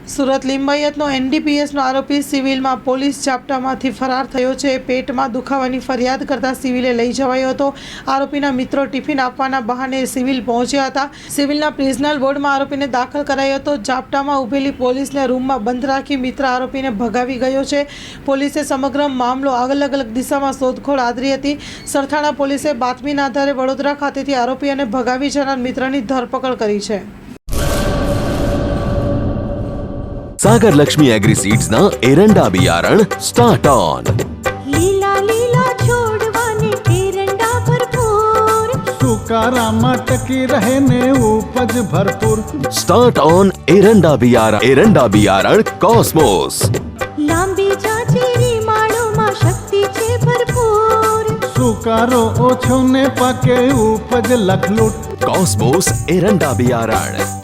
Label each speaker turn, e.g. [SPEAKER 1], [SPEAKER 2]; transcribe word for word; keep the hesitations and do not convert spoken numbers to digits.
[SPEAKER 1] સુરત લિંબાયતનો એનડીપીએસનો આરોપી સિવિલમાં પોલીસ ઝાપટામાંથી ફરાર થયો છે। પેટમાં દુખાવાની ફરિયાદ કરતા સિવિલે લઈ જવાયો હતો। આરોપીના મિત્રો ટિફિન આપવાના બહાને સિવિલ પહોંચ્યા હતા। સિવિલના પ્રિઝનલ વોર્ડમાં આરોપીને દાખલ કરાયો હતો। ઝાપટામાં ઊભેલી પોલીસને રૂમમાં બંધ રાખી મિત્ર આરોપીને ભગાવી ગયો છે। પોલીસે સમગ્ર મામલો અલગ અલગ દિશામાં શોધખોળ આદરી હતી। સરથાણા પોલીસે બાતમીના આધારે વડોદરા ખાતેથી આરોપી અને ભગાવી જનાર મિત્રની ધરપકડ કરી છે।
[SPEAKER 2] सागर लक्ष्मी एग्री सीड्स ना एरंडा बियारण स्टार्ट ऑन।
[SPEAKER 3] लीला लीला छोड़वाने एरंडा भरपूर,
[SPEAKER 4] सुकारामा टकी रहे ने उपज भरपूर।
[SPEAKER 2] स्टार्ट ऑन एरंडा बियारण एरंडा बियारण कॉस्मोस।
[SPEAKER 3] लांबी जाचेरी माळो में शक्ति छे भरपूर,
[SPEAKER 4] सुकारो ओछो ने पाके उपज लखलूट।
[SPEAKER 2] कॉस्मोस एरंडा बियारण।